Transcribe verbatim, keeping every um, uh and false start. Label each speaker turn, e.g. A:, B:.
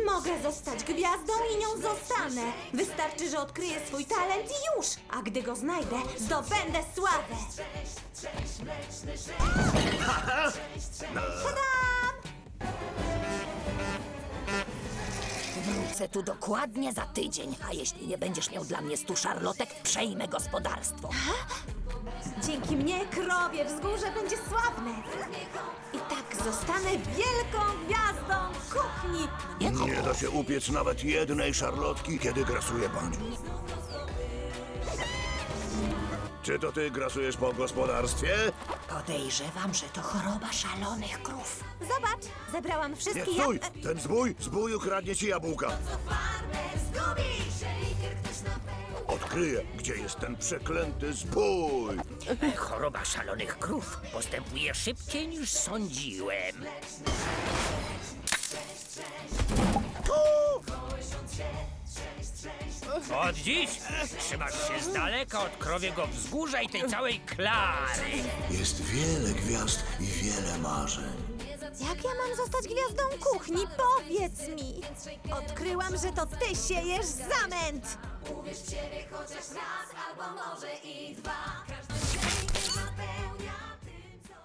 A: Mogę zostać gwiazdą i nią zostanę. Wystarczy, że odkryję swój talent i już. A gdy go znajdę, zdobędę sławę.
B: Wrócę tu dokładnie za tydzień, a jeśli nie będziesz miał dla mnie stu szarlotek, przejmę gospodarstwo.
A: Dzięki mnie krowie wzgórze będzie sławne. I tak zostanę wielką gwiazdą kuchni.
C: Nie da się upiec nawet jednej szarlotki, kiedy grasuje pan. Czy to ty grasujesz po gospodarstwie?
B: Podejrzewam, że to choroba szalonych krów.
A: Zobacz, zebrałam
C: Nie,
A: wszystkie
C: stój!
A: jab...
C: Ten zbój, zbój ukradnie ci jabłka. Odkryję, gdzie jest ten przeklęty zbój.
D: Choroba szalonych krów postępuje szybciej niż sądziłem. Od dziś trzymasz się z daleka od krowiego wzgórza i tej całej klary.
C: Jest wiele gwiazd i wiele marzeń.
A: Jak ja mam zostać gwiazdą kuchni? Powiedz mi! Odkryłam, że to ty siejesz zamęt!
E: Uwierz w siebie chociaż raz, albo może i dwa. Każdy dzień napełnia